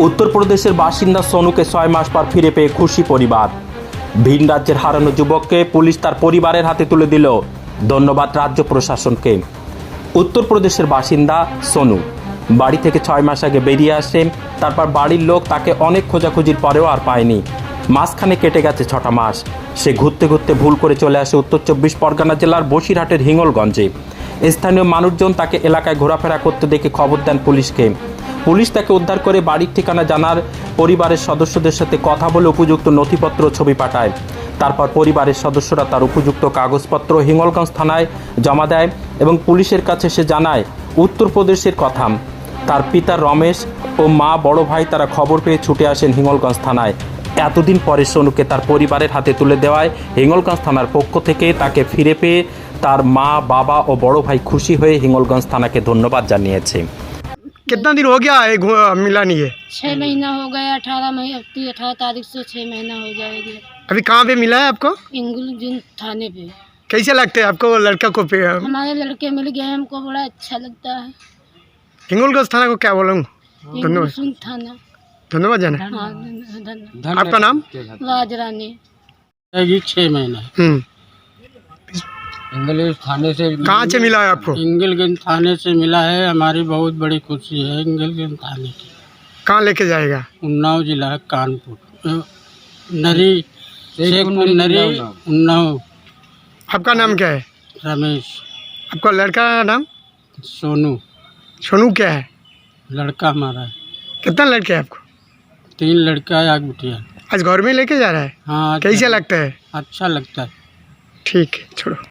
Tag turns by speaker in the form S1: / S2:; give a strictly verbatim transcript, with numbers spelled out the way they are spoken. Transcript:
S1: উত্তরপ্রদেশের বাসিন্দা সোনুকে ছয় মাস পর ফিরে পেয়ে খুশি পরিবার। ভিন রাজ্যের হারানো যুবককে পুলিশ তার পরিবারের হাতে তুলে দিল। ধন্যবাদ রাজ্য প্রশাসনকে। উত্তরপ্রদেশের বাসিন্দা সোনু বাড়ি থেকে ছয় মাস আগে বেরিয়ে আসে। তারপর বাড়ির লোক তাকে অনেক খোঁজাখুঁজির পরেও আর পায়নি। মাঝখানে কেটে গেছে ছটা মাস। সে ঘুরতে ঘুরতে ভুল করে চলে আসে উত্তর চব্বিশ পরগনা জেলার বসিরহাটের হিঙ্গলগঞ্জে। স্থানীয় মানুষজন তাকে এলাকায় ঘোরাফেরা করতে দেখে খবর দেন পুলিশকে। পুলিশ তাকে উদ্ধার করে বাড়ির ঠিকানা জানার পরিবারের সদস্যদের সাথে কথা বলে উপযুক্ত নথিপত্র ছবি পাঠায়। তারপর পরিবারের সদস্যরা তার উপযুক্ত কাগজপত্র হিঙ্গলগঞ্জ থানায় জমা দেয় এবং পুলিশের কাছে সে জানায় উত্তরপ্রদেশের কথা। তার পিতা রমেশ ও মা বড় ভাই তারা খবর পেয়ে ছুটে আসেন হিঙ্গলগঞ্জ থানায়। এতদিন পরে সোনুকে তার পরিবারের হাতে তুলে দেওয়ায় হিঙ্গলগঞ্জ থানার পক্ষ থেকে তাকে ফিরে পেয়ে তার মা বাবা ও বড় ভাই খুশি হয়ে হিঙ্গলগঞ্জ থানাকে ধন্যবাদ জানিয়েছে।
S2: कितना दिन हो गया है मिला नहीं है?
S3: छः महीना हो गया। अठारह महीने अठारह तारीख से छः महीना हो जाएगी।
S2: अभी कहाँ पे मिला है आपको?
S3: इंगुलगंज थाने पे।
S2: कैसे लगता है आपको लड़का को? पे
S3: हमारे लड़के मिल गए, हमको बड़ा अच्छा लगता है।
S2: हिंगोलगंज थाना को क्या बोलूँ? धन्यवाद।
S3: इंगुलगंज थाना
S2: धन्यवाद जाना।
S3: हाँ, धन्यवाद।
S2: आपका नाम?
S3: राज रानी।
S4: छः महीना
S2: हम्म
S4: इंगलगंज थाने से।
S2: कहाँ से मिला है आपको?
S4: इंगलगंज थाने से मिला है। हमारी बहुत बड़ी खुशी है इंगलगंज थाने की।
S2: कहाँ लेके जाएगा?
S4: उन्नाव जिला कानपुर नरी शेखपुर नरी उन्नाव।
S2: आपका नाम क्या है?
S4: रमेश।
S2: आपका लड़का का नाम?
S4: सोनू।
S2: सोनू क्या है?
S4: लड़का हमारा है।
S2: कितना लड़के हैं आपको?
S4: तीन लड़का है, एक बिटिया।
S2: आज घर में लेके जा रहा है?
S4: हाँ।
S2: कैसे लगता है?
S4: अच्छा लगता है।
S2: ठीक है, छोड़ो।